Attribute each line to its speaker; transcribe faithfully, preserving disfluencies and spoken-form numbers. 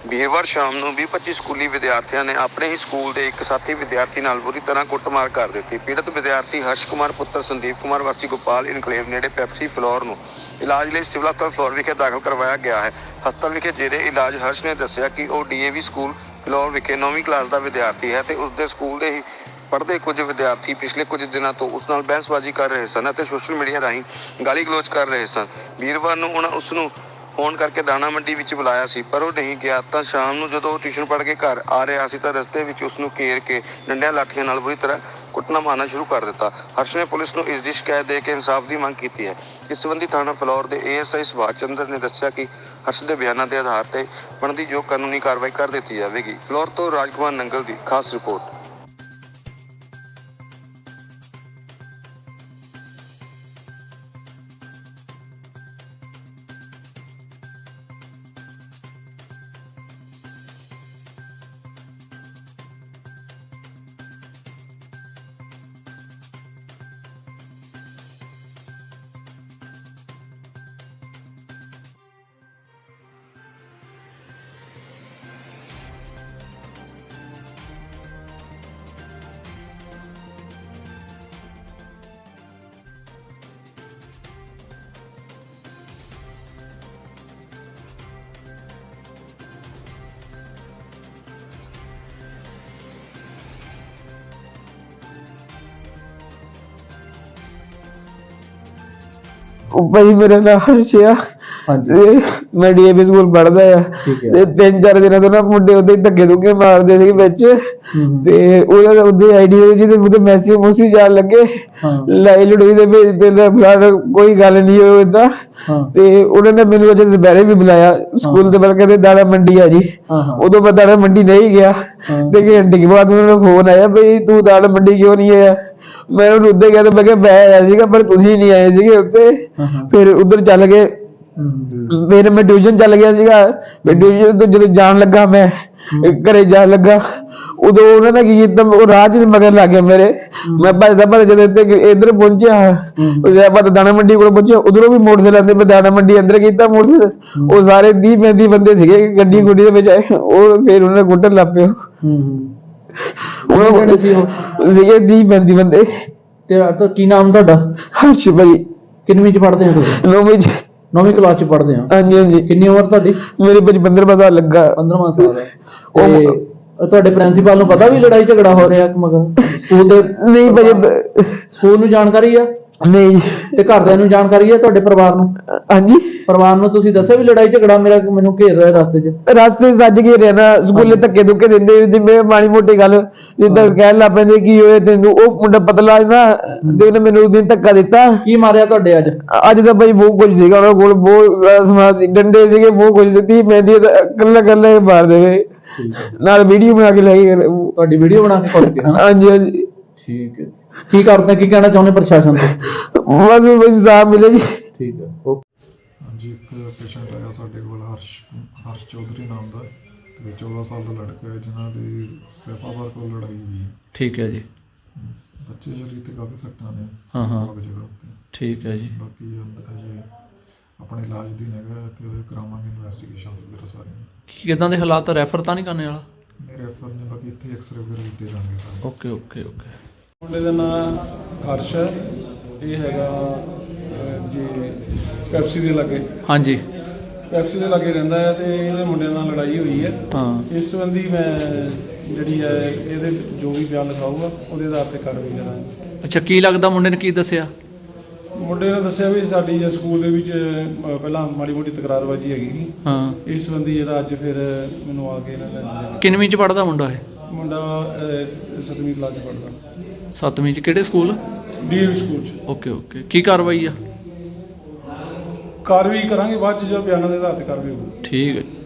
Speaker 1: ਵੀਰਵਾਰ ਸ਼ਾਮ ਨੂੰ ਵੀਹ ਪੱਚੀ ਸਕੂਲੀ ਵਿਦਿਆਰਥੀਆਂ ਨੇ ਆਪਣੇ ਹੀ ਸਕੂਲ ਦੇ ਇੱਕ ਸਾਥੀ ਵਿਦਿਆਰਥੀ ਨਾਲ ਬੁਰੀ ਤਰ੍ਹਾਂ ਕੁੱਟਮਾਰ ਕਰ ਦਿੱਤੀ। ਪੀੜਤ ਵਿਦਿਆਰਥੀ ਹਰਸ਼ ਕੁਮਾਰ ਪੁੱਤਰ ਸੰਦੀਪ ਕੁਮਾਰ ਵਾਸੀ ਗੋਪਾਲ ਇਨਕਲੇਵ ਨੇੜੇ ਪੈਪਸੀ ਫਲੋਰ ਨੂੰ ਇਲਾਜ ਲਈ ਸਿਵਲ ਹਸਪਤਾਲ ਫਲੋਰ ਵਿਖੇ ਦਾਖਲ ਕਰਵਾਇਆ ਗਿਆ ਹੈ। ਹਸਪਤਾਲ ਵਿਖੇ ਜੇਰੇ ਇਲਾਜ ਹਰਸ਼ ਨੇ ਦੱਸਿਆ ਕਿ ਉਹ ਡੀਏਵੀ ਸਕੂਲ ਫਲੋਰ ਵਿਖੇ ਨੌਵੀਂ ਕਲਾਸ ਦਾ ਵਿਦਿਆਰਥੀ ਹੈ ਤੇ ਉਸਦੇ ਸਕੂਲ ਦੇ ਹੀ ਪੜ੍ਹਦੇ ਕੁਝ ਵਿਦਿਆਰਥੀ ਪਿਛਲੇ ਕੁਝ ਦਿਨਾਂ ਤੋਂ ਉਸ ਨਾਲ ਬਹਿਸਬਾਜ਼ੀ ਕਰ ਰਹੇ ਸਨ ਅਤੇ ਸੋਸ਼ਲ ਮੀਡੀਆ ਰਾਹੀਂ ਗਾਲੀ ਗਲੋਚ ਕਰ ਰਹੇ ਸਨ। ਵੀਰਵਾਰ ਨੂੰ ਉਹਨਾਂ ਉਸ ਨੂੰ ਫੋਨ ਕਰਕੇ ਦਾਣਾ ਮੰਡੀ ਵਿੱਚ ਬੁਲਾਇਆ ਸੀ, ਪਰ ਉਹ ਨਹੀਂ ਗਿਆ। ਤਾਂ ਸ਼ਾਮ ਨੂੰ ਜਦੋਂ ਉਹ ਟਿਊਸ਼ਨ ਪੜ੍ਹ ਕੇ ਘਰ ਆ ਰਿਹਾ ਸੀ ਤਾਂ ਰਸਤੇ ਵਿੱਚ ਉਸ ਨੂੰ ਘੇਰ ਕੇ ਡੰਡਿਆਂ ਲਾਠੀਆਂ ਨਾਲ ਬੁਰੀ ਤਰ੍ਹਾਂ ਕੁੱਟਣਾ ਮਾਰਨਾ ਸ਼ੁਰੂ ਕਰ ਦਿੱਤਾ। ਹਰਸ਼ ਨੇ ਪੁਲਿਸ ਨੂੰ ਇਸ ਦੀ ਸ਼ਿਕਾਇਤ ਦੇ ਕੇ ਇਨਸਾਫ ਦੀ ਮੰਗ ਕੀਤੀ ਹੈ। ਇਸ ਸੰਬੰਧੀ ਥਾਣਾ ਫਲੋਰ ਦੇ A S I Subhash Chander ਨੇ ਦੱਸਿਆ ਕਿ ਹਰਸ਼ ਦੇ ਬਿਆਨਾਂ ਦੇ ਆਧਾਰ ਤੇ ਬਣਦੀ ਜੋ ਕਾਨੂੰਨੀ ਕਾਰਵਾਈ ਕਰ ਦਿੱਤੀ ਜਾਵੇਗੀ। ਫਲੋਰ ਤੋਂ ਰਾਜਕੁਮਾਰ ਨੰਗਲ ਦੀ ਖਾਸ ਰਿਪੋਰਟ।
Speaker 2: भाई मेरा नाम हर्ष आ। मैं डीएवी स्कूल पढ़दा आ ते तीन चार दिन तो ना मुंडे उदे धक्के धुक्के मारदे सी विच ते ओदा उदे आईडी जिहदे उदे मैसेज मुसी जान लगे लाई लड़ोई दे भेजदे ने फलाण कोई गल नहीं होई इदां ते उन्होंने ने मैनूं अज दुपहरे भी बुलाया स्कूल दे बल कहंदे दाड़ा मंडी आ जी। उदों मैं दाड़ा मंडी नहीं गया ते घंटे के बाद उन्होंने फोन आया भाई तू दाड़ा मंडी क्यों नहीं आया। मैं उधर गया तो मैं मैं आया सीगा पर तुसीं नहीं आए सीगे उत्ते। फिर उधर चल गए फिर मैं ट्यूशन चल गया सीगा। मैं ट्यूशन तो जो जान लगा मैं घरे जान लगा उदों उन्होंने की कीता वो राह च मगर लग गया मेरे। मैं भजदा भजदा जदों इधर पहुंचा मैं दाणा मंडी कोल पहुंचा उधरों भी मोटरसाइकिल आंदे मैं दाणा मंडी अंदर कीता मोटरसाइकिल वो सारे तीह पैंती बंदे सीगे गड्डी गुड्डी दे विच आए वो फिर उन्होंने कुੱਟਣ ਲੱਗ ਪਏ। ਉਹ ਸੀਗੇ ਵੀਹ ਪੈਂਤੀ ਬੰਦੇ।
Speaker 3: ਤੇ ਕੀ ਨਾਮ ਤੁਹਾਡਾ?
Speaker 2: ਹਰਸ਼ ਭਾਈ।
Speaker 3: ਕਿੰਨਵੀਂ ਚ ਪੜ੍ਹਦੇ ਹੋ ਤੁਸੀਂ?
Speaker 2: ਨੌਵੀਂ ਚ।
Speaker 3: ਨੌਵੀਂ ਕਲਾਸ ਚ ਪੜ੍ਹਦੇ ਹੋ?
Speaker 2: ਹਾਂਜੀ ਹਾਂਜੀ।
Speaker 3: ਕਿੰਨੀ ਉਮਰ ਤੁਹਾਡੀ?
Speaker 2: ਮੇਰੀ ਭਾਜੀ ਪੰਦਰਵਾਂ ਸਾਲ ਲੱਗਾ।
Speaker 3: ਪੰਦਰਵਾਂ ਸਾਲ ਹੈ ਤੇ ਤੁਹਾਡੇ ਪ੍ਰਿੰਸੀਪਲ ਨੂੰ ਪਤਾ ਵੀ ਲੜਾਈ ਝਗੜਾ ਹੋ ਰਿਹਾ ਮਗਰ ਸਕੂਲ ਦੇ?
Speaker 2: ਨਹੀਂ ਭਾਜੀ
Speaker 3: ਸਕੂਲ ਨੂੰ ਜਾਣਕਾਰੀ ਆ?
Speaker 2: ਨਹੀਂ।
Speaker 3: ਤੇ ਘਰਦਿਆਂ ਨੂੰ ਜਾਣਕਾਰੀ ਆ ਤੁਹਾਡੇ ਪਰਿਵਾਰ ਨੂੰ?
Speaker 2: ਹਾਂਜੀ
Speaker 3: ਪਰਿਵਾਰ ਨੂੰ ਤੁਸੀਂ ਦੱਸਿਆ ਵੀ ਲੜਾਈ ਝਗੜਾ ਮੇਰਾ ਮੈਨੂੰ ਘੇਰ ਰਿਹਾ ਰਸਤੇ 'ਚ?
Speaker 2: ਰਸਤੇ 'ਚ ਰੱਜ ਘੇਰਿਆ ਨਾ ਸਕੂਲੇ ਧੱਕੇ ਧੁੱਕੇ ਦਿੰਦੇ ਜਿਵੇਂ ਮਾੜੀ ਮੋਟੀ ਗੱਲ ਜਿੱਦਾਂ ਕਹਿਣ ਲੱਗ ਪੈਂਦੇ ਕੀ ਹੋਇਆ ਤੈਨੂੰ ਉਹ ਮੁੰਡਾ ਪਤਲਾ ਨਾ ਤੇ ਉਹਨੇ ਮੈਨੂੰ ਉਸ ਦਿਨ ਧੱਕਾ ਦਿੱਤਾ।
Speaker 3: ਕੀ ਮਾਰਿਆ ਤੁਹਾਡੇ ਅੱਜ?
Speaker 2: ਅੱਜ ਤਾਂ ਭਾਈ ਬਹੁਤ ਕੁਝ ਸੀਗਾ ਉਹਨਾਂ ਕੋਲ ਬਹੁਤ ਸਮਾਨ ਸੀ ਡੰਡੇ ਸੀਗੇ ਬਹੁਤ ਕੁਝ ਦਿੱਤੀ ਮਹਿੰਦੀ ਕੱਲਾ ਕੱਲਾ ਮਾਰ ਦੇਵੇ ਨਾਲ ਵੀਡੀਓ ਬਣਾ ਕੇ ਲੈ ਗਏ।
Speaker 3: ਤੁਹਾਡੀ ਵੀਡੀਓ ਬਣਾ ਕੇ ਕੁੱਟ ਕੇ?
Speaker 2: ਹਾਂਜੀ ਹਾਂਜੀ।
Speaker 3: ਠੀਕ ਹੈ ਕੀ ਕਰਦੇ ਕੀ ਕਹਿਣਾ ਚਾਹੁੰਦੇ ਪ੍ਰਸ਼ਾਸਨ ਤੋਂ?
Speaker 2: ਬਸ ਬਸ ਸਾਹਬ ਮਿਲੇ ਜੀ।
Speaker 3: ਠੀਕ ਹੈ ਓਕੇ।
Speaker 4: ਹਾਂਜੀ ਇੱਕ ਪੇਸ਼ੈਂਟ ਆਇਆ ਸਾਡੇ ਕੋਲ ਹਰਸ਼ ਹਰਸ਼ ਚੌਧਰੀ ਨਾਮ ਦਾ ਤੇ ਚੌਦਾਂ ਸਾਲ ਦਾ ਲੜਕਾ ਹੈ ਜਿਨ੍ਹਾਂ ਦੀ ਸੈਫਾਬਾਦ ਕੋਲ ਲੜਾਈ ਹੋਈ ਹੈ।
Speaker 3: ਠੀਕ ਹੈ ਜੀ।
Speaker 4: ਬੱਚੇ ਸਰੀਰ ਤੇ ਕਾਫੀ ਸੱਟਾਂ ਨੇ
Speaker 3: ਹਾਂ ਹਾਂ
Speaker 4: ਜਗ੍ਹਾ ਉੱਤੇ।
Speaker 3: ਠੀਕ ਹੈ ਜੀ।
Speaker 4: ਬਾਕੀ ਅਜੇ ਆਪਣੇ ਇਲਾਜ ਦੀ ਹੈਗਾ ਤੇ ਉਹ ਕਰਾਵਾਂਗੇ ਇਨਵੈਸਟੀਗੇਸ਼ਨ ਵਗੈਰਾ ਸਾਰੀਆਂ।
Speaker 3: ਕੀ ਕਿਦਾਂ ਦੇ ਹਾਲਾਤ? ਰੈਫਰ ਤਾਂ ਨਹੀਂ ਕਰਨੇ ਵਾਲਾ?
Speaker 4: ਨਹੀਂ ਰੈਫਰ ਨੇ ਬਾਕੀ ਇੱਥੇ ਐਕਸਰੇ ਵਗੈਰਾ ਕੀਤੇ ਜਾਣਗੇ ਸਾਰੇ।
Speaker 3: Okay okay okay.
Speaker 5: ਮੁੰਡੇ ਦਾ ਨਾਮ ਹਰਸ਼ ਹੈ। ਇਹ ਹੈਗਾ ਜੀ ਪੈਪਸੀ ਦੇ ਲਾਗੇ।
Speaker 3: ਹਾਂਜੀ
Speaker 5: ਪੈਪਸੀ ਦੇ ਲਾਗੇ ਰਹਿੰਦਾ ਹੈ ਤੇ ਇਹਦੇ ਮੁੰਡੇ ਨਾਲ ਲੜਾਈ ਹੋਈ ਹੈ।
Speaker 3: ਹਾਂ
Speaker 5: ਇਸ ਸੰਬੰਧੀ ਮੈਂ ਜਿਹੜੀ ਹੈ ਇਹਦੇ ਜੋ ਵੀ ਬਿਆਨ ਲਿਖਾਊਗਾ ਉਹਦੇ ਆਧਾਰ ਤੇ ਕਾਰਵਾਈ ਕਰਾਂਗੇ।
Speaker 3: ਅੱਛਾ ਕੀ ਲੱਗਦਾ ਮੁੰਡੇ ਨੇ ਕੀ ਦੱਸਿਆ?
Speaker 5: ਮੁੰਡੇ ਨੇ ਦੱਸਿਆ ਵੀ ਸਾਡੀ ਜੇ ਸਕੂਲ ਦੇ ਵਿੱਚ ਪਹਿਲਾਂ ਮਾੜੀ ਮੋਟੀ ਤਕਰਾਰਬਾਜ਼ੀ ਹੈਗੀ।
Speaker 3: ਹਾਂ
Speaker 5: ਇਸ ਸੰਬੰਧੀ ਜਿਹੜਾ ਅੱਜ ਫਿਰ ਮੈਨੂੰ ਆ ਕੇ ਇਹਨਾਂ ਨੇ।
Speaker 3: ਕਿੰਨਵੀਂ ਚ ਪੜ੍ਹਦਾ ਮੁੰਡਾ ਇਹ?
Speaker 5: ਮੁੰਡਾ ਸੱਤਵੀਂ ਕਲਾਸ 'ਚ ਪੜ੍ਹਦਾ।
Speaker 3: ਸੱਤਵੀਂ ਚ ਕਿਹੜੇ ਸਕੂਲ?
Speaker 5: ਡੀਏਵੀ ਸਕੂਲ 'ਚ।
Speaker 3: ਓਕੇ ਓਕੇ ਕੀ ਕਾਰਵਾਈ ਆ?
Speaker 5: ਕਾਰਵਾਈ ਕਰਾਂਗੇ ਬਾਅਦ 'ਚ ਜੋ ਬਿਆਨਾਂ ਦੇ ਆਧਾਰ ਤੇ ਕਾਰਵਾਈ ਹੋਊਗੀ।
Speaker 3: ਠੀਕ ਹੈ।